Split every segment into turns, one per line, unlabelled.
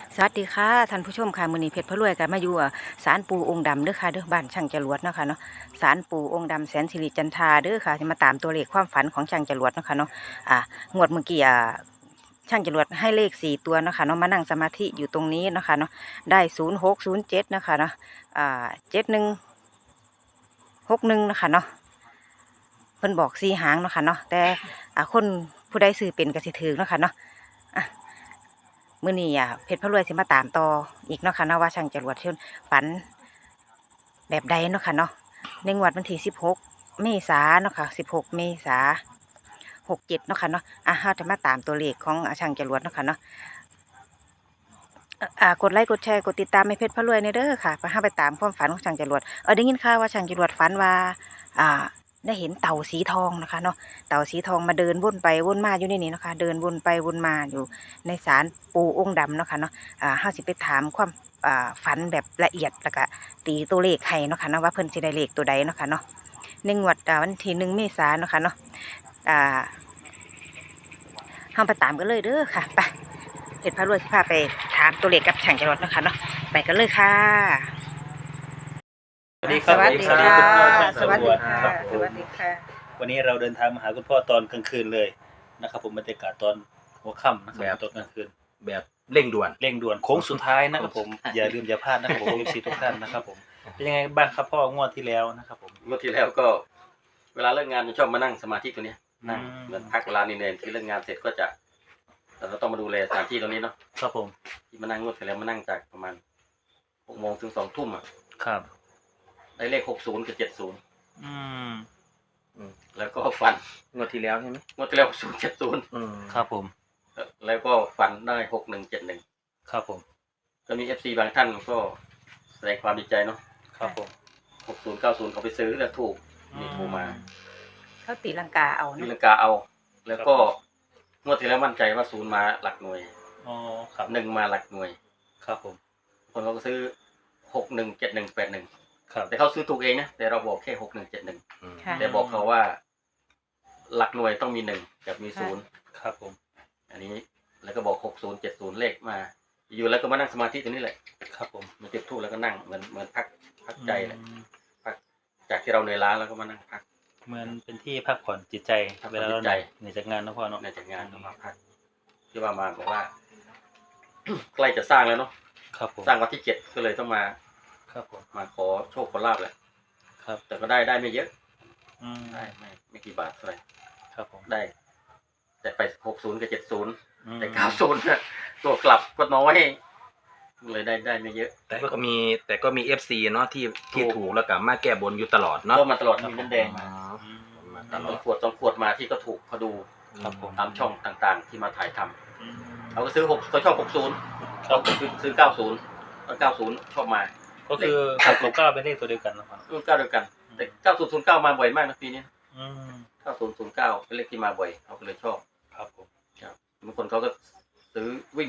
สวัสดีค่ะท่านผู้ชมค่ะมื้อนี้เพชรพะรวยกันมาอยู่ศาลปู่องค์ดำเด้อค่ะเด้อบ้านช่างจรวดเนาะค่ะเนาะศาลปู่องค์ดำแสนสิริจันทราเด้อค่ะจะมาตามตัวเลขความฝันของช่างจรวดเนาะค่ะเนาะงวดเมื่อกี้ช่างจรวดให้เลข4 ตัวเนาะค่ะเนาะมานั่งสมาธิอยู่ตรงนี้เนาะค่ะเนาะได้0607เนาะค่ะเนาะ7161เนาะค่ะเนาะเพิ่นบอก4 หางเนาะค่ะเนาะแต่คนผู้ใดซื้อเป็นก็สิถือเนาะค่ะเนาะ มื้อนี้เพชรพะรวยสิมาตามต่ออีกเนาะค่ะเนาะว่าช่างจรวดเพิ่นฝันแบบใดเนาะค่ะเนาะในงวดวันที่16 เมษายนเนาะค่ะ16 เมษายน 67เนาะค่ะเนาะเฮาจะมาตามตัวเลขของช่างจรวดเนาะค่ะเนาะกดไลค์กดแชร์กดติดตามให้เพชรพะรวยในเด้อค่ะเฮาไปตามความฝันของช่างจรวดได้ยินข่าวว่าช่างจรวดฝันว่าอ่าได้เห็นเต่าสีทองนะคะเนาะเต่าสีทองมาเดินวนไปวนมาอยู่ในนี้เนาะค่ะเดินวนไปวนมาอยู่ในศาลปู่องค์ดำเนาะค่ะเนาะเฮาสิไปถามความฝันแบบละเอียดแล้วก็ตีตัวเลขให้เนาะค่ะเนาะว่าเพิ่นสิได้เลขตัวใดเนาะค่ะเนาะในงวดวันที่1 เมษายนเนาะค่ะเนาะอ่าเฮาไปตามกันเลยเด้อค่ะไปเพชรพารวยสิพาไปถามตัวเลขกับช่างจรวดเนาะค่ะเนาะไปกันเลยค่ะ
สวัสดีครับ
สวัสดีค่ะ
สวัสดีค่ะ
สวัสดีค่ะ
วันนี้เราเดินทางมาหาคุณพ่อตอนกลางคืนเลยนะครับผมบรรยากาศตอนหัวค่ำนะครับตอนกลางคืน
แบบเร่งด่วน
เร่งด่วนโค้งสุดท้ายนะครับผมอย่าลืมอย่าพลาดนะครับผม FC ทุกท่านนะครับผมเป็นยังไงบ้างครับพ่องวดที่แล้วนะครับผม
เมื่อที่แล้วก็เวลาเลิกงานจะชอบมานั่งสมาธิตัวเนี้ยนั่งเหมือนพักเวลานี่เองที่เลิกงานเสร็จก็จะเราต้องมาดูแลสถานที่ตรงนี้เนาะ
ครับผม
ที่มานั่งงวดที่แล้วมานั่งจากประมาณ6 โมงถึง2 ทุ่มอ่ะ
ครับ
ได้เลข60กับ70
อืม
แล้วก็ฝัน
งวดที่แล้วใช่ไหม
งวดที่แล้ว60 70
ครับผม
แล้วก็ฝันได้6171
ครับผม
ก็มี FC บางท่านก็แสดงความดีใจเนาะ
ครับผม
60 90เขาไปซื้อแล้วถูกมีโทรมา
เขาตีลังกาเอา
ตี
เนาะ
ลังกาเอา แล้วก็งวดที่แล้วมั่นใจว่า0มาหลักหน่วย
อ๋อครับ
1มาหลักหน่วย
ครับผม
คนเขาก็ซื้อ617181
ครับ
แต่เขาซื้อถูกเองนะแต่เราบอกแค่6171
ค่ะ
แต่บอกเขาว่า หลักหน่วยต้องมี1กับมี0
ครับผม
อันนี้แล้วก็บอก6070เลขมา อยู่แล้วก็มานั่งสมาธิตรงนี้แหละ
ครับผม
มาจุดธูปแล้วก็นั่งเหมือนพักใจแหละพักจากที่เราเหนื่อยล้าแล้วก็มานั่งพัก
เหมือนเป็นที่พักผ่อนจิตใจ
พักผ่อน
เวลาเรา
จิตใจ
เหนื่อยจากงานนะพ่อเนาะ
ในจากงานก็มาพักที่ว่ามาบอกว่า ใกล้จะสร้างแล้วเนาะ
ครับผม
สร้างวันที่7ก็เลยต้องมา
ครับผม
มาขอโชคขอลาภแหละ
ครับ
แต่ก็ได้ไม่เยอะ
อืม
ได้ไม่กี่บาทเท่าไหร่
ครับผม
ได้ แต่ไป60กับ70แต่
อืม
90น่ะตัวกลับก็น้อยเลยได้ไม่เยอะ
แต่ก็มีFC เนาะที่ถูกแล้วก็มาแก้บนอยู่ตลอดเนาะ
ก็มาตลอดมีน้ำแดง
อ๋อ
มา
อืม
มาต
ตาม
ลอด
2 ขวดมาที่ก็ถูกเขาดู
ครับผม
ตามช่องต่างๆ ที่มาถ่ายทำ
อืม
เขาก็ซื้อ6เขาชอบ60
ครับ
ซื้อ90แล้ว90ชอบมา
ก็คือ6กับ9เป็นเลขตัวเดียวกันนะครับ
รุ่น9เดียวกันแต่9009มาบ่อยมากนะปีนี้
อืม
9009เป็นเลขที่มาบ่อยเขาก็เลยชอบ
ครับผม
ครับบางคนเขาก็ซื้อวิ่ง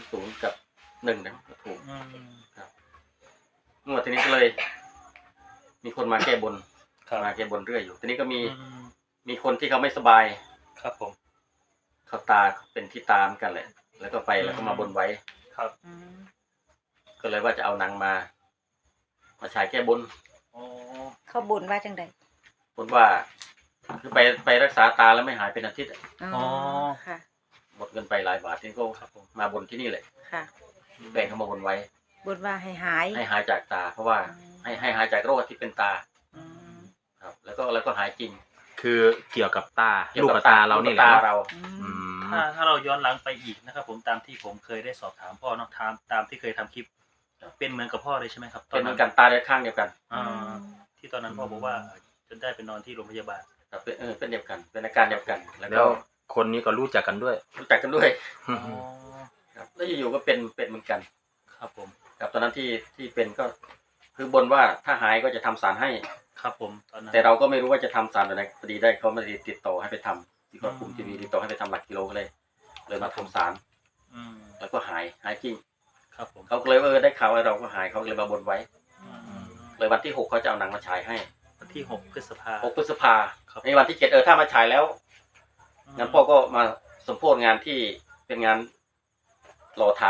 0กับ1นะก็ถูก
อืม
งวดทีนี้ก็เลย มีคนมาแก้บน
ครับ
มาแก้บนเรื่อยอยู่ทีนี้ก็มี
อืม
มีคนที่เขาไม่สบาย
ครับผม
เขาตาเป็นที่ตาเหมือนกันแหละ แล้วก็ไปแล้วก็มาบนไว้
ครับ
อืม
ก็เลยว่าจะเอานางมาฉายแก้บน
อ๋อ
เขาบนว่าจังใด
บนว่าคือไปรักษาตาแล้วไม่หายเป็นอาทิตย์อะ
ค่ะ
หมดเงินไปหลายบาทนี่ก็
ครับผม
มาบนที่นี่แหละ
ค่ะ
แบ่งเขามาบนไว้
บนว่าให้หาย
ให้หายจากตา เพราะว่า
อืม
ให้หายจากโรคที่เป็นตา
อืม
ครับ แล้วก็หายจริง
คือเกี่ยวกับตา
เกี่ยว
ลูก
กั
กับตาเรานี่แหละ
ลูกกับตา
เนาะ
เรา
อื
อื
ม
ม
ถ้าเราย้อนหลังไปอีกนะครับผมตามที่ผมเคยได้สอบถามพ่อเนาะตามที่เคยทำคลิป เป็นเหมือนกับพ่อเลยใช่ไหมครับ
เป็นเหมือนกันตาเดียวข้างเดียวกัน
อ่าที่ตอนนั้นพ่อบอกว่าจนได้ไปนอนที่โรงพยาบาล
ครับเป็นเดียวกัน เป็นอาการเดียวกัน แล้ว
แล้
ก็
วคนนี้ก็รู้จักกันด้วย
รู้จักกันด้วย
อ๋อ
ครับแล้วอยู่ๆก็เป็นเหมือนกัน
ครับผม
ครับตอนนั้นที่เป็นก็คือบนว่าถ้าหายก็จะทำสารให้
ครับผมตอนนั้น
แต่เราก็ไม่รู้ว่าจะทำสารแบบไหนพอดีได้เขามาติดต่อให้ไปทำที่กดปุ่มทีวีติดต่อให้ไปทำหลักกิโลก็เลยมาทำสาร
อืม
แล้วก็หายจริง
ครับผม
เขาก็เลยได้ข่าวว่าเราก็หายเขาก็เลยมาบนไว้
อืม
เลยวันที่6เขาจะเอาหนังมาฉายให้
วันที่6 พฤษภา
6 พฤษภา
ครับ
ในวันที่7ถ้ามาฉายแล้วงั้นพ่อก็มาสมโภชงานที่เป็นงานหล่อฐาน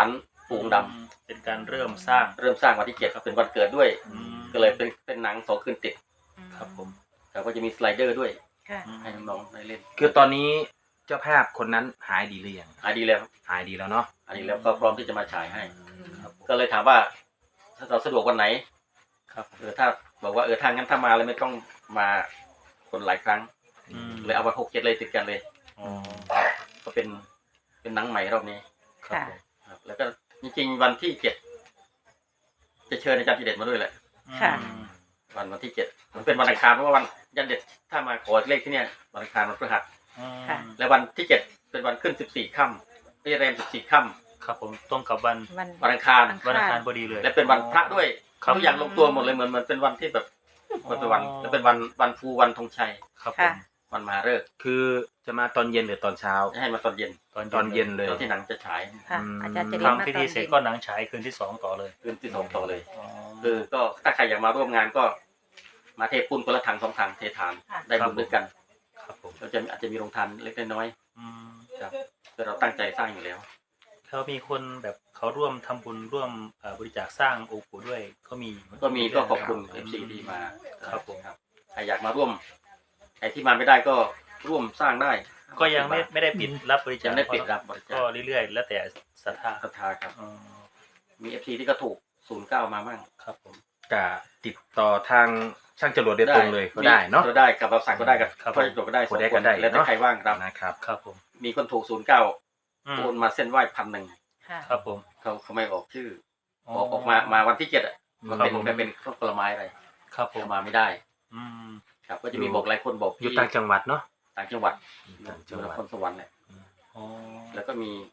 ปู่องค์ด
เป็นการเริ่มสร้าง
ำเริ่มสร้างวันที่7ครับเป็นวันเกิดด้วย ก็เลยเป็นหนัง2 คืนติด
ครับผม
แล้วก็จะมีสไลเดอร์ด้วย
ค่ะ
ให้น้องๆได้เล่น
คือตอนนี้เจ้าภาพคนนั้นหายดีหรือยัง
หายดีแล้วครับ
หายดีแล้วเนาะ
อันนี้แล้วก็พร้อมที่จะมาฉายให้
ครับผม
ก็เลยถามว่าถ้าเราสะดวกวันไหน
ครับ
ถ้าบอกว่าทางงั้นถ้ามาแล้วไม่ต้องมาคนหลายครั้ง เลยเอาวัน6 7เลยติดกันเลย
อ๋อ
ก็เป็นหนังใหม่รอบนี้
ครับผม
ครับแล้วก็จริงๆวันที่7จะเชิญอาจารย์ทีเด็ดมาด้วยแหละ
ค่ะ
วันที่7มันเป็นวันอังคารเพราะว่าวันยันเด็ดถ้ามาขอเลขที่เนี่ยวันอังคารวันพฤหัส
ค่ะ
และวันที่7เป็นวันขึ้น14 ค่ำแรม14 ค่ำ
ครับผมตรงกับวัน
วันอังคาร
วันอังคารพอดีเลย
และเป็นวันพระด้วย
ครับ
ทุกอย่างลงตัวหมดเลยเหมือนเป็นวันที่แบบมันเป็นวันและเป็นวันภูวันธงชัย
ครับผ
ค่ะ
ม
วันมหาฤกษ์
คือจะมาตอนเย็นหรือตอนเช้า
ให้มาตอนเย็น
ตอนเย็นเลย
ตอนที่หนังจะฉาย
ค่ะ อาจารย์จะเรียนมา
ทำพิ
ตอ
ธี
น
เสร็จ
เย็น
ก็หนังฉายคืนที่2ต่อเลย
คืนที่2ต่อเลย
อ๋อ
ก็ถ้าใครอยากมาร่วมงานก็มาเทปุ้นคนละถัง2 ถังเททานได้บุญด้วยกัน
ครับผม
เราจะอาจจะมีโรงทานเล็กน้อย
อืม
ๆครับคือเราตั้งใจสร้างอยู่แล้ว
เขามีคนแบบเขาร่วมทำบุญร่วมบริจาคสร้างองค์ปู่ด้วยก็มี
ก็ขอบคุณ FC ที่มา
ครับผม
ใครอยากมาร่วมใครที่มาไม่ได้ก็ร่วมสร้างได้
ก็ยังไม่ได้ปิดรับบริจา
ยั
ค
งได้ปิดรับบริจา
ก็
ค
เรื่อยๆ แล้วแต่ศรัทธา
ศรัทธาครับ
อ๋อ
มี FC ที่ก็ถูก09มามั่ง
ครับผม
ก็ติดต่อทางช่างจรวดโดยตรงเลยก็ได้เนาะ
ก็ได้กับเราสั่งก็ได้กับ
ครับ
พ่อจบก็ได้
คนได้
2
ก็ได้
แล้วแต่
เนาะ
ใครว่างรับ
นะครับ
ครับผม
มีคนถูก09
อืม
โอนมาเส้นไหว้1,100
ค่ะ
ครับผม
เขาไม่ออกชื่อออกมาวันที่7อ่ะมันเป็นผลไม้อะไร
ครับผม
เอามาไม่ได้
อืม
ครับก็จะมีบอกหลายคนบอก
อยู่ต่างจังหวัดเนาะ
ต่างจังหวัด
ต่าง
อ
จั
ยู่
งห
น
วัด
ครสวรรค์แหละ
อ๋อ
แล้วก็มี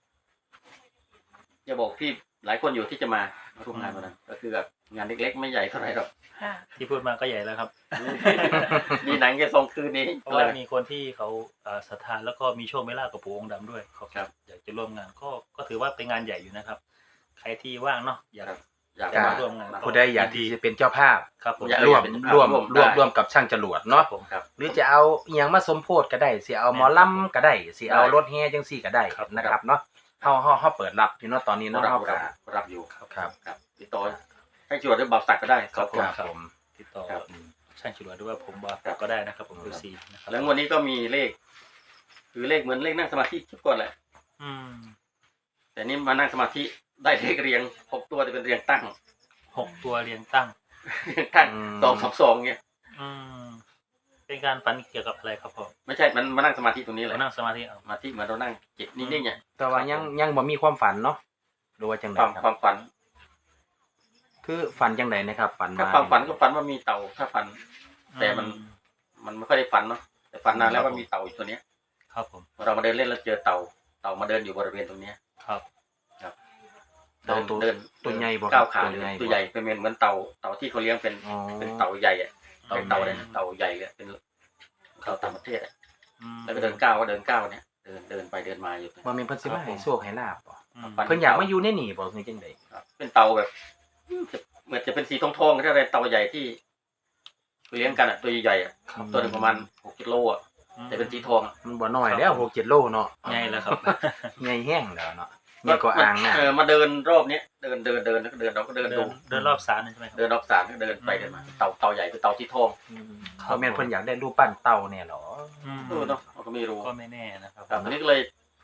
จะบอกพี่หลายคนอยู่ที่จะมาร่วมงานวันนั้นก็คือแบบงานเล็กๆไม่ใหญ่เท่าไหร่หรอก
ค่ะ
ที่พูดมาก็ใหญ่แล้วครับ
มีหนังแค่2 คืนนี้
เพราะว่ามีคนที่เขาศรัทธาแล้วก็มีโชคไม่ลาภกับปู่องค์ดำด้วยเขา
ครับ
อยากจะร่วมงานก็ถือว่าเป็นงานใหญ่อยู่นะครับ ใครที่ว่างเนาะอยาก
อยาก
จะ
มา
มาร่วมงาน
ผู้ใดอยากที่จะเป็นเจ้าภาพ
ครับผม
อยาก
ร่วม
เป็น
ร่วม
ร่วมได้
ร่วมกับช่างจรวด
เนาะ
เนาะ
ผม
ครับ
หรือจะเอาอหยังมาสมโพธิก็ได้สิเอาหมอลำก็ได้สิเอารถแห่จังซี่ก็ได้
ครับ
นะครับเนาะเฮาเปิดรับอยู่เนาะตอนนี้เนาะ
รับ
เฮาก็
รับอยู่
ครับ
ครับติดต่อให้จวดหรือบ่าวสักก็ได้
ครับ
ขอบ
ครับ
ณ
ผม
ติดต่อ
ครับ
ช่างฉลวยด้วยว่าผมว่า
ครับ
ก็ได้นะครับผมดูซีนะครับ
แล้ววันนี้ก็มีเลขคือเลขเหมือนเลขนั่งสมาธิทุกคนแหละ
อืม
แต่นี่มานั่งสมาธิได้เลขเรียง6 ตัวแต่เป็นเรียงตั้ง
6 ตัวเรียงตั้ง
เรียงตั้ง2 2 2เนี่ย
อืมเป็นการฝันเกี่ยวกับอะไรครับผม
ไม่ใช่มันมานั่งสมาธิตรงนี้แห
เรา
ละ
นั่งสมาธิเอา
สมาธิเหมือนเรานั่งจิตนิ่งๆเนี่ย
แต่ว่ายังบ่มีความฝันเนาะหรือว่าจังได
ความ
ครับ
ความฝัน
คือฝันจังไดนะครับฝัน
ถ้า
มา
ความฝันก็ฝันว่ามีเต่าถ้าฝัน แต่มัน มันไม่ค่อยได้ฝันเนาะแต่ฝันนานแล้วว่ามีเต่าอยู่ตัวเนี้ย
ครับผม
เรามาเดินเล่นแล้วเจอเต่ามาเดินอยู่บริเวณตรงเนี้ย
ครับ
เต่าตัว
เดิน
ตัวใหญ่บ่ครับ
ก้าวขา
ตัวใหญ่บ่
ตัวใหญ่เป็นเหมือนเต่าที่เขาเลี้ยงเป็น
อ๋อ
เป็นเต่าใหญ่อะ
อืม
เต่าเลยนะเต่าใหญ่เลยเป็นเต่าต่างประเทศอะ
อืม
แล้วก็เดินก้าวเนี่ยเดินไปเดินมาอยู่
บ่แม่นเพิ่นสิมาให้โชคให้ลาบบ่
อืม
เพิ่นอยากมาอยู่ในนี่บ่คือจังได๋
ครับเป็นเต่าแบบเหมือนจะเป็นสีทองๆก็ได้เต่าใหญ่ที่เลี้ยงกันอะตัวใหญ่ๆอะตัวหนึงประมาณ6 กิโลอะแต่เป็นสีทองอะ
มันบ่น้อยแล้ว6-7 โลเนาะ
ไงแล้วครับ
ใหญ่แห้งแล้วเนาะใหญ่กว่าอ่างน่ะ
มาเดินรอบเนี้ยเดินแล้วก็เดินเราก็เดินดู
เดินรอบศาลใช่ไหมครับ
เดินรอบศาลก็เดินไปเดินมาเต่าใหญ่คือเต่าสีทอง
บ่แม่นเพิ่นอยากได้รูปปั้นเต่าแน่หรอ
อืม
เนาะเราก็ไม่รู้
ก็ไม่แน่นะครับ
ครับอันนี้ก็เลย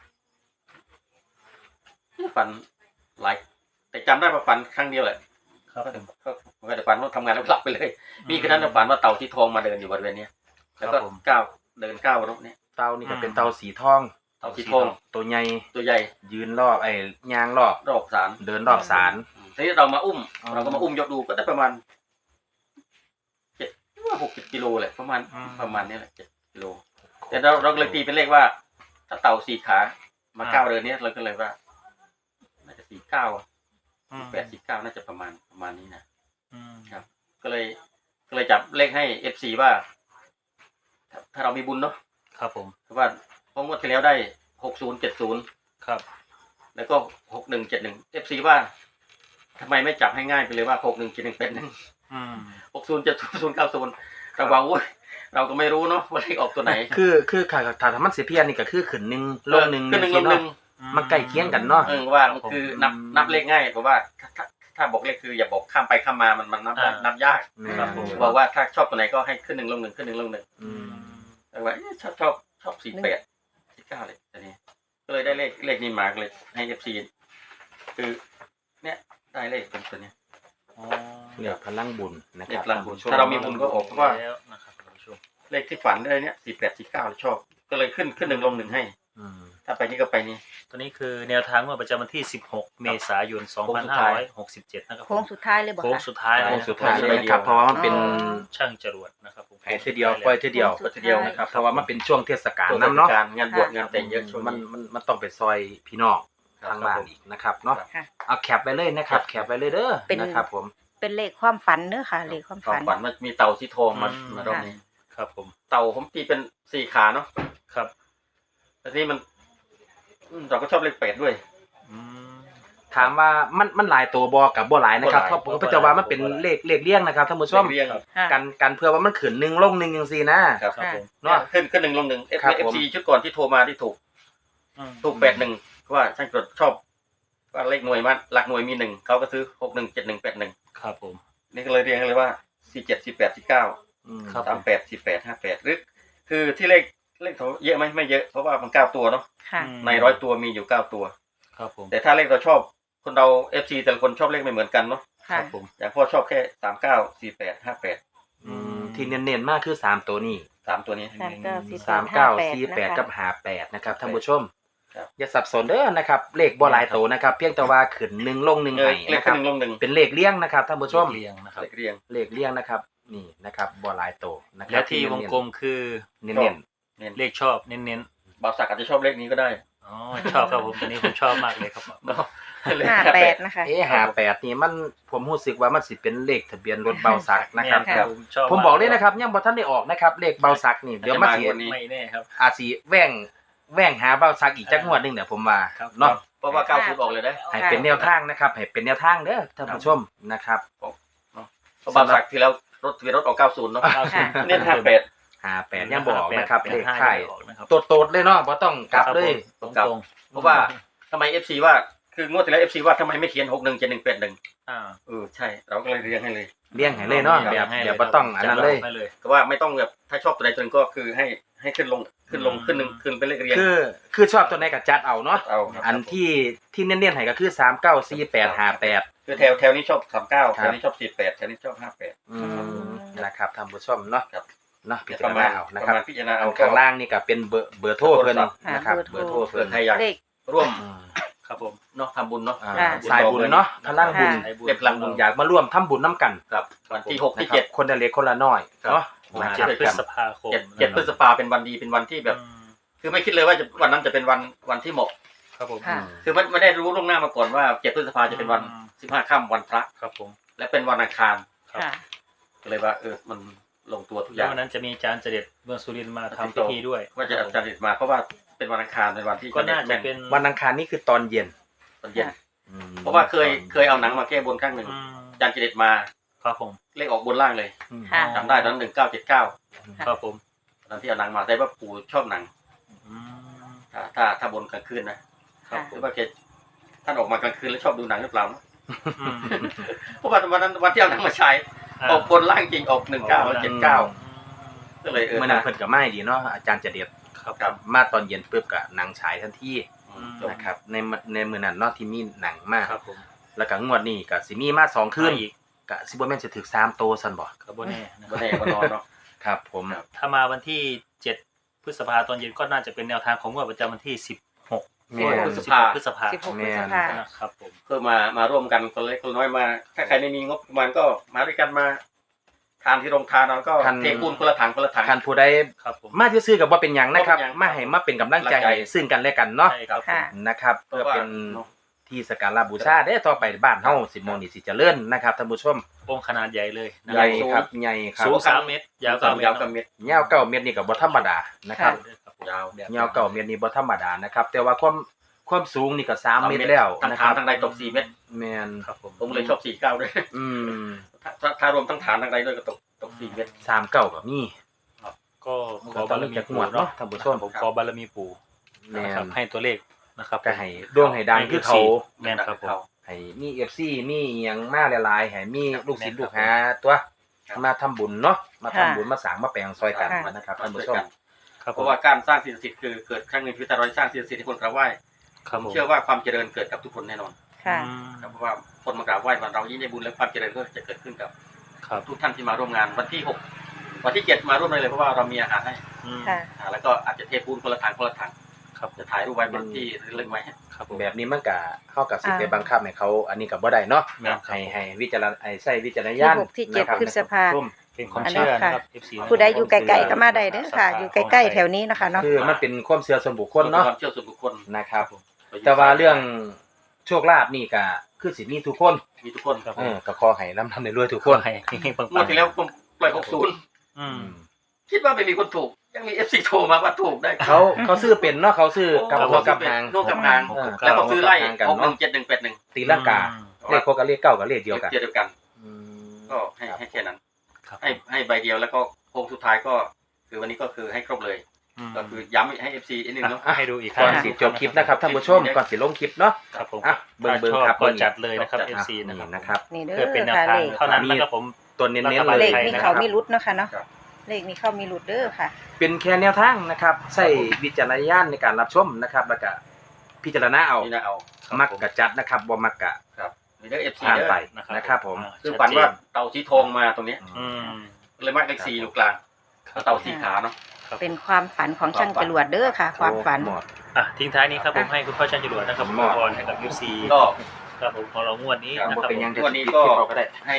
ฝันหลายแต่จำได้ว่าฝันครั้งเดียวแหละ
ครับ
ก็ไม่ได้ฝันว่าทำงานแล้วหลับไปเลย มีคืนนั้นฝันว่าเต่าที่ทองมาเดินอยู่บริเวณเนี้ยแล้วก็ก้าวเดินก้าวรถเนี้ย
เต่านี่ก็เป็นเต่าสีทอง
เต่าสีทอง
ตัวใหญ่
ตัวใหญ่
ยืนรอบย่างรอบ
รอบศาล
เดินรอบศาล
ทีนี้เรามาอุ้ม
อ๋อ
เราก็มาอุ้มยกดูก็ได้ประมาณ6-7 กิโลแหละประมาณนี้แหละ7 กิโลแต่เราเลยตีเป็นเลขว่า ถ้าเต่า4 ขามาก้าวเดินเนี้ยเราก็เลยว่าน่าจะ8-49น่าจะประมาณนี้นะ
อืม
ก็เลยจับเลขให้ FC ว่าถ้าเรามีบุญเนาะ
ครับผม
เพราะว่าเพราะงวดที่แล้วได้6070
ครับ
แล้วก็6171 FC ว่าทำไมไม่จับให้ง่ายไปเลยว่า6171เป็น
อืม
607090เราว่าโอ้ยเราก็ไม่รู้เนาะว่าเลขออกตัวไหน
คือถ้ามันสิเพี้ยนนี่ก็คือขึ้น1ลง1
ขึ้นหนึ่งลงหนึ่ง
มันใกล้เคียงกันเนาะ
ว่ามันคือนับเลขง่ายเพราะว่าถ้าบอกเลขคืออย่าบอกข้ามไปข้ามมามันนับยาก
ครับผม
บอกว่าถ้าชอบตัวไหนก็ให้ขึ้น1ลง1ขึ้น1ลง1
อืม
แต่ว่าชอบ48 49เลยตอนนี้ก็เลยได้เลขนี้มาเลยให้ FC คือเนี่ยได้เลขเป็นตัวเนี้ย
อ๋อ
เรียกพลังบุญนะค
เล
รั
ข
บ
พลังบุญถ้าเรามีบุญก็ออกเพราะว่า
แล้วนะครับท่านผู้ชม
เลขที่ฝันได้เนี่ย48 49ชอบก็เลยขึ้น1ลง1ให้
อืม
ถ้าไปนี่ก็ไปนี่
ตัวนี้คือแนวทางงวดประจำวันที่ 16 เมษายน 2567 นะครับ
โค้งสุดท้ายเลยบอก
โค้ง
ค่ะ
สุดท้าย
โค้ง
นะ
สุดท้ายเลยนะครับเพราะว่ามันเป็น
ช่างจรวดนะครับผม
ให้ทีเดียวปล่อยทีเดียว
โค้งสุดท้าย
นะครับเพราะว่ามันเป็นช่วงเทศกาล
ตัว
น้ำเนาะ
การงานบวชงานแต่งเยอะช่วง
มันต้องไปซอยพี่น้องทางบ้านอีกนะครับเนาะ
ค่ะ
เอาแคปไปเลยนะครับแคปไปเลยเด้อ
เป็น
นะครับผม
เป็นเลขความฝันเนื้อค่ะ เลขความ
ความ
ฝัน
ฝันมันมีเต่าสีทองมารอบนี้
ครับผม
เต่าผมตีเป็น4ขาเนาะ
ครับ
แต่นี่มันเราก็ชอบเลข8ด้วย
อืม
ถามว่ามันหลายตัวบอกับบ่หลายนะครับ
บ่หลาย
เพราะพระเจ้าว่ามันเป็นเลขเลี่ยงนะครับท่านผู้ชม
เรียง
ค่ะ
กันเพื่อว่ามันขึ้น1ลง1จังซี่นะครับ
ครับผม
เนาะ
ขึ้น1ลง1
ครับผม
FC ชุดก่อนที่โทรมาที่ถูก
อืม
81ว่าช่างจดชอบว่าเลขหน่วยมันหลักหน่วยมี1เขาก็ซื้อ61 71 81
ครับผม
นี่ก็เลยเรียงเลยว่า47 48 49
อืม
ครับ
38 48 58หรือคือที่เลขเขาเยอะไหมไม่เยอะเพราะว่ามัน9ตัวเนาะ
ค่ะ
ใน100ตัวมีอยู่9ตัว
ครับผม
แต่ถ้าเลขเราชอบคนเรา FC แต่ละคนชอบเลขไม่เหมือนกันเนาะ
ค
ค่ะ
รับผม
อย่างพ่อชอบแค่39 48 58
ที่เน้นๆมากคือ3ตัวนี้
3ตัวนี้
3948กับ58นะครับท่านผู้ชม
ครับ
อย่าสับสนเด้อนะครับเลขบ่หลายตัวนะครับเพียงแต่ว่าขึ้น1ลง1
เล
ให้
ข
นะครั
ขึ้
บ
น1ลง1
เป็นเลขเลี่ยงนะครับท่านผู้ชม
เรียงนะครับ
เลขเรียง
เลขเลี่ยงนะครับนี่นะครับบ่หลายตัวนะครั
และที่วงกลมคือ
เน้น
เลขชอบเน้น
บาวสักอาจจะชอบเลขนี้ก็ได้
ๆอ๋อชอบครับผมตัวนี้ผมชอบมากเลยครับผม
เนาะเลข
58นะคะ
ๆ58นี่มันผมรู้สึกว่ามันสิเป็นเลขทะเบียนรถเบาสักนะครับ
แม่ผมชอบ
ผมบอกเลยนะครับยังบ่ทันได้ออกนะครับเลขเบาสักนี่เดี๋ยวมาสิ
ไม่แน่ครับ
อาจสิแว่งหาเบาสักอีกจักงวดหนึงเดี๋ยวผมว่า
ครับ
เนาะ
เพราะว่า90ออกเลยได้
ให้เป็นแนวทางนะครับให้เป็นแนวทางเด้อท่านผู้ชมนะครับ
เพราะบาวสักที่แล้วรถทะเบียนรถออก90เนาะ
ค่ะ
เน้น58
58ยังบ่ออกนะครับเลข
85
ท้าย
ออกนะครับ
โตดๆเลยเนาะบ่ต้องกลับเลย
ตรง
ครับ
ตรง
เพราะว่าทำไม FC ว่าคืองวดที่แล้ว FC ว่าทำไมไม่เขียน617181
อ่า
ใช่เราก็เลยเรียงให้เลย
เลี้ยงให้เลยเนาะแบบบ่ต้องอันนั้นเลย
ให้เลย
แต่ว่าไม่ต้องแบบถ้าชอบตัวใดตัวหนึงก็คือให้ขึ้นลงขึ้นหนึ่งขึ้นเป็นเลขเรียง
คือชอบตัวไหนก็จัดเอาเนาะ
เอาครับ
อันที่เน้นๆให้ก็คือ394858
คือแถวนี้ชอบ39แถวนี้ชอบ48แถวนี้ชอบ58
นะครับท่านผู้ชมเนาะ
ครับ
เนาะพิ
ป
จาร
ระมา
ณา
ณ
เอานะ
ป
ครั
ระ
บ
มาณพิจารณา
อั
เอา
นข้างล่างนี่ก็เป็นเบอร์โทรเพิ่นนะครับ
เบอร์โทร
เบอร์โทร
เผื่
เพิ่
อน ใครอยาก
เลข
ร่วม
ครับผม
เนาะทำบุญเนาะ
อ่า
ค่ะ
สายบุญเนาะพลังบุญ
ค่ะ
เรียบพลังบุญ
อยากมาร่วมทำบุญน้ำกัน
ครับวันที่6ที่
นะครับคนละเล็กคนละน้อย
ครับ
เนาะ
วัน
นะค
เจ็ด
รับ
พฤษภาคม
7พฤษภาเป็นวันดีเป็นวันที่แบบ คือไม่คิดเลยว่าวันนั้นจะเป็นวันที่เหมาะ
ครับผม
ค่ะ
คือไม่ได้รู้ล่วงหน้ามาก่อนว่า7พฤษภาจะเป็นวัน15ค่ำวันพระ
ครับผม
และเป็นวันอังคาร
ครับ
ค่ะ
ก็เลยว่ามันลงตัวทุกอ
แล้ว
ย่าง
วันนั้นจะมีอาจารย์เจเด็ดเมืองสุรินทร์มาทำพิธีด้วย
ว่าจะอาจารย์ติดมาเพราะว่าเป็นวันอังคารเป็นวันที่
ก็น่าจะเป็น
วันอังคารนี่คือตอนเย็น
ตอนเย็น
อืม
เพราะว่าเคยเอาหนังมาแก้บนครั้งหนึ่ง
อืม
อาจารย์จิเดตมา
ครับผม
เลขออกบนล่างเลย
อืม
ค่ะ
จำได้ตอนนั้น1979
ครับผม
ตอนที่เอาหนังมาแต่ว่าปู่ชอบหนัง
อืม
ถ้าบนกลางคืนนะ
ครับ
หรือว่าแกท่านออกมากลางคืนแล้วชอบดูหนังหรือเปล่า
อืม
เพราะว่าวันนั้นวันที่เอาหนังมาใช้ออกบนล่างจริงออก19แล้ว79ก็เลย
เมื่อนั้นเพิ่นก็ไม่ดีเนาะอาจารย์จะเด็ด
ครับ
ครับ
มาตอนเย็นปุ๊บก็หนังฉายทันที
จบ
นะครับในมื้อนั้นเนาะที่มีหนังมาก
ครับผม
แล้วก็งวดนี้ก็สิมีมา2คืน
อีก
ก็สิบ่แม่นสิถึก3โตซั่นบ่
ครับบ่แน่นะค
วั
รั
น
บ
แน่วันนอนเนาะ
ครับผม
ครับ
ถ้ามาวันที่7พฤษภาตอนเย็นก็น่าจะเป็นแนวทางของงวดประจำวันที่16
แม่น
พฤษภา
พฤษภา
16พฤษภา
นะครับผม
เพื่อมาร่วมกันคนเล็กคนน้อยมา ถ้าใครไม่มีงบประมาณก็มาด้วยกันมาทานที่โรงทานเราก็เทปูนคนละถังคนละถัง
คันผู้ใด
ครับผม
มาซื่อๆก็บ่เป็นหยังนะครับ
บ่เป็นหยัง
มาให้มาเป็นกำลังใจให้ซึ่งกันและกันเนาะ
ใช่ครับผม
ค่ะ
นะครับ
เพ
เพื่อ
ราะว่า
เป็น
เนาะ
ที่สักการะบูชาได้ต่อไปบ้านเฮาสิมองนี่สิเจริญนะครับท่านผู้ชม
องค์ขนาดใหญ่เลยนะ
ใหญ่ครับใหญ่ครับ
สูง3 เมตร ยาว9 เมต
ยาว
ร
กับเม็ด
ยาว9เมตรนี่ก็บ่ธรรมดานะครับ
ยาว
ยาว9เมตรนี่บ่ธรรมดานะครับ แต่ว่าความสูงนี่ก็3เมตรแล้ว
ทั้ง
นะค
ฐา
รั
น
บ
ทั้งใดตก4เม็ด
แม่น
ครับผม
ผมเลยชอบ49ด้วย
อืม
ถ้ารวมทั้งฐานทั้งใดด้วยก็ตก4เม็ด
39ก็มี
ก็ขอบารมี
จากหม
ปู่
วดเนาะ
เนาะ
ท่านผู้ชม
ผมขอบารมีปู่
แม่
นะครับ
น
ให้ตัวเลขนะครับ
ก็ให้ร่วงให้ดังคือเขา
แม่นครับผม
ให้มี FC มีอิหยังมาหลายๆให้มีลูกศิษย์ลูกหาตัวมาทำบุญเนาะมาทำบุญมาสร้างมาแปลงซอยกันนะครับท่านผู้ชม
ครับ
เพ
ผม
ราะว่าการสร้างสิ่งศักดิ์สิทธิ์คือเกิดครั้งหนึ่งชีวิตเราสร้างสิ่งศักดิ์สิทธิ์ให้คนกราบไหว้
ครับผม
เชื่อว่าความเจริญเกิดกับทุกคนแน่นอน
ค่ะ
ครับเพราะว่าคนมากราบไหว้วันเรายิ่งได้บุญและความเจริญก็จะเกิดขึ้นกับ
ครับ
ทุกท่านที่มาร่วมงานวันที่6วันที่7มาร่วมเลยเพราะว่าเรามีอาหารให้
ค่ะ
แล้วก็อาจจะเทปูนคนละถัง
ครับ
จะถ่ายรูปไว้บนที่ระลึกไว้
ครับผม
แบบนี้มันก็เข้ากับสิทธิ์ไปบังคับให้เขาอันนี้ก็บ่ได้เนาะ
แม่นครับ
ให้วิจารณใช้วิจารณญาณ
ที่6ที่7
นะครับ
พฤษภา
ร่วม
เป็นความเชื่อนะครับ FC
ผู้ใดอยู่ไกลๆก็มาได้เด้อค่ะ อยู่ใกล้ๆแถวนี้นะคะเนาะ
คือมันเป็นความเชื่อส่วนบุคคลเนาะ
ความเชื่อส่วนบุคคล
นะครับ แต่ว่าเรื่องโชคลาภนี่ก็คือสิมีทุกคน
มีทุกคน
ครับผม
ก็ขอให้ร่ำรวยทุก
ค
คน
นให้ปัง
งวดที่แล้วผมปล่อย60
อืม
คิดว่าไม่มีคนถูกยังมี FC โทรมาว่าถูกได้
เขาซื้อเป็นเนาะเขาซื้อกับ
โอ้
หัวกับหาง
โน่กับหาง
เ
แล้วก็ซื้อไล่
กัน
61
เนาะ
7181
ตีลังกาเลขโคกับเลขเก้ากับเลขเดียวกัน
เดียวกัน ก็ให้แค่นั้น ให้ใบเดียวแล้วก็โค้งสุดท้ายก็คือวันนี้ก็คือให้ครบเลย ก็คือย้ำให้ FC อีกนิดนึงเนาะ
ให้ดูอีกค
ก่
รั้
อน
ง
สิจบคลิปนะครับท่านผู้ชมก่อนสิลงคลิปเนาะ
ครับผม
อ่ะเบิ่ง
ถ้าชอบ
ครับ
ก็จัดเลยนะครับ FC
นี่
นะครับ
นะครับ
นี่เด้
เพื่อเป็น
อ
แนว
ค่ะ
ทา
เล
ง
ข
เท่านั้นนะครับผม
ตัวเน้นๆ
เล
เล
ข
ย
มีเขามีรุดเนาะค่ะเนาะ
ครับ
เลขมีเข้ามีรุดเด้อค่ะ
เป็นแค่แนวทางนะครับใช้วิจารณญาณในการรับชมนะครับแล้วก็พิจารณาเอา
นี่นะเอา
มักกะจัดนะครับบ่มักกะ
ครับมีเด้อ FC
ผ่าน
เด้อ
ไปนะครับผม
คือฝันว่าเต่าสีทองมาตรงนี้
อืม
เลยมักเลข4อยู่กลางเต่าสีขาเนาะ
ครับ
เป็นความฝันของช่างจรวดเด้อค่ะ ความฝัน
หมด
อ่ะทิ้งท้ายนี้ครับผมให้คุณพ่อช่างจรวดนะครับ
หมด
พรให้กับ FC
ก็
ครับผมของเรางวดนี้
ครับ
นะครับ
เป็น
ผ
ยัง
ม
จะ
วันนี้
ปิด
ก็
คลิปเราก็ได้
ให้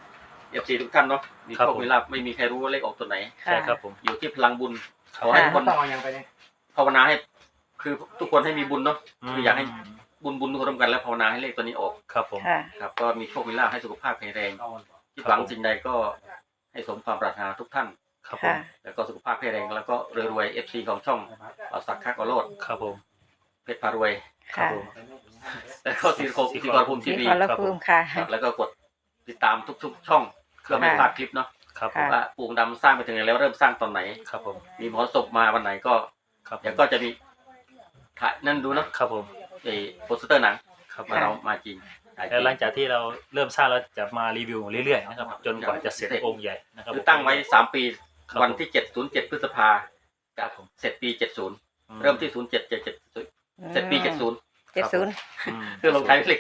FC ทุกท่านเนาะมี
ครับ
โชค
ผม
มีลาภไม่มีใครรู้ว่าเลขออกตัวไหน
ใช่ครับผม
อยู่ที่พลังบุญ
ครับ
ขอให้ทุกคน
ต้องเอายังไปเนี่ย
ภาวนาให้ คือทุกคนให้มีบุญเนาะคืออยากให้บุญทุกคนร่วมกันแล้วภาวนาให้เลขตัวนี้ออก
ครับผม
ค่ะ
ครับ ก็มีโชคมีลาภให้สุขภาพแข็งแรงที่หวังสิ่งใดก็ให้สมความปรารถนาทุกท่าน
ครับผม
ค่ะ
แล้วก็สุขภาพแข็งแรงแล้วก็รวยๆ FC ของช่องสักคักอโรด
ครับผม
เพชรพารวย
ครับ
ค่ะ
ผม
แล้วก็สีกรภูมิที
สี
วี
ขอรภูมิค่ะ
ครับแล้วก็กดติดตามทุกๆช่องเพื่อไม่พลาดคลิปเนาะ
ครับผม
ค่ะ
ว่าปู่ดำสร้างไปถึงไหนแล้วเริ่มสร้างตอนไหน
ครับผม
มีหมอศพมาวันไหนก็
ครับผม
เดี๋ยวก็จะมีถ่ายนั่นดูเนาะ
ครับผม
ไอ้โปสเตอร์หนัง
ครับ
มาเรามาจริงถ่ายจริ
แล้ว
ง
หลังจากที่เราเริ่มสร้างแล้วจะมารีวิวเรื่อยๆนะครับจนกว่าจะเสร็จองค์ใหญ่นะครับ
คือตั้งไว้3 ปี
ครับ
วันที่707พฤษภา
ครับผม
เสร็จปี70เริ่มที่07 7เสร็จปี70
70
อืม
คือลงท้ายด้วยเลข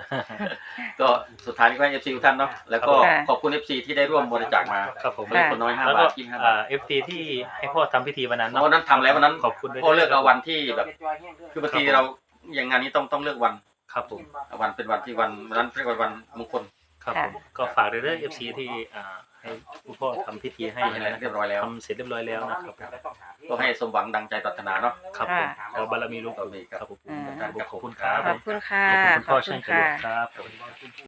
7ก็สุดท้ายนี้ก็ให้ FC ทุกท่านเนาะแล้วก็
ค่ะ
ขอบคุณ FC ที่ได้ร่วมบริจาคมา
ครับผม
ไม่ได้คนน้อย5
แล้ว
บา
ก็
ท25 บาท
FT ที่ให้พ่อทำพิธีวันนั้นเนาะ
วันนั้นทำแล้ววันนั้น
ขอบคุณด้วย
พ่อเลือกเอาวันที่แบบ คือบางทีเราอย่างงานนี้ต้องเลือกวัน
ครับผม
วันเป็นวันที่วันนั้นเรียกว่าวันมงคล
ครับผมก็ฝากเรื่อง FC ที่ให้คุณพ่อทำพิธีให้นะ
เรียบร้อยแล้ว
ทำเสร็จเรียบร้อยแล้วนะครับ
ก็ให้สมหวังดังใจปรารถนาเนาะ
ครับผมเอาบารมีลูก
ครับ
ครับผม
อ่า
ขอบคุณครับ
ขอบคุณค่ะ
ขอบคุณคุณพ่อ
ขอบคุ
ช่าง
ณ
จรว
ค่ะ
ดครับ